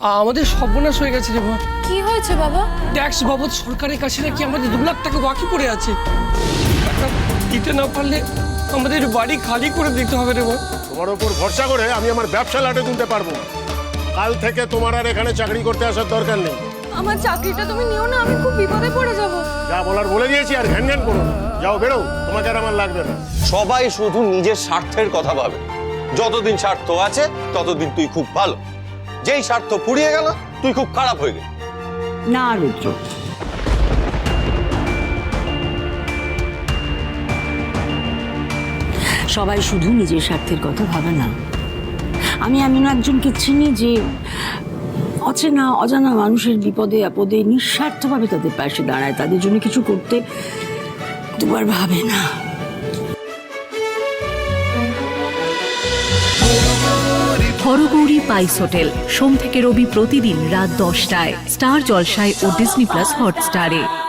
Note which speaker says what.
Speaker 1: আমাদের সর্বনাশ হয়ে গেছে রে মা।
Speaker 2: কি হয়েছে বাবা?
Speaker 1: ট্যাক্স বাবদ সরকারের কাছে নাকি আমাদের 2 লাখ টাকা বাকি পড়ে আছে। টাকা দিতে না পারলে আমাদের বাড়ি খালি করে দিতে হবে রে মা।
Speaker 3: তোমার উপর ভরসা করে আমি আমার ব্যবসা লাটে তুলতে পারবো না। কাল থেকে তোমার আর এখানে চাকরি করতে আসার দরকার নেই।
Speaker 2: আমার চাকরিটা তুমি নিও না, আমি খুব বিপদে পড়ে যাব।
Speaker 3: যা বলার বলে দিয়েছি, আর ঘ্যান ঘ্যান করো না। যাও বেরো, তোমাকে আর আমার লাগবে না।
Speaker 4: সবাই শুধু নিজের স্বার্থের কথা ভাবে। যতদিন স্বার্থ আছে ততদিন তুই খুব ভালো, যেই স্বার্থ ফুরিয়ে গেল তুই খুব খারাপ হয়ে গেলি।
Speaker 5: না রুদ্র, সবাই শুধু নিজের স্বার্থের কথা ভাবে না। আমি এমন একজনকে চিনি যে অচেনা অজানা মানুষের বিপদে আপদে নিঃস্বার্থভাবে তাদের পাশে দাঁড়ায়, তাদের জন্য কিছু করতে দুবার ভাবে না।
Speaker 6: হরগৌরী পাইস হোটেল, সোম থেকে রবি প্রতিদিন রাত 10টায় স্টার জলসায় ও ডিজনি প্লাস হটস্টারে।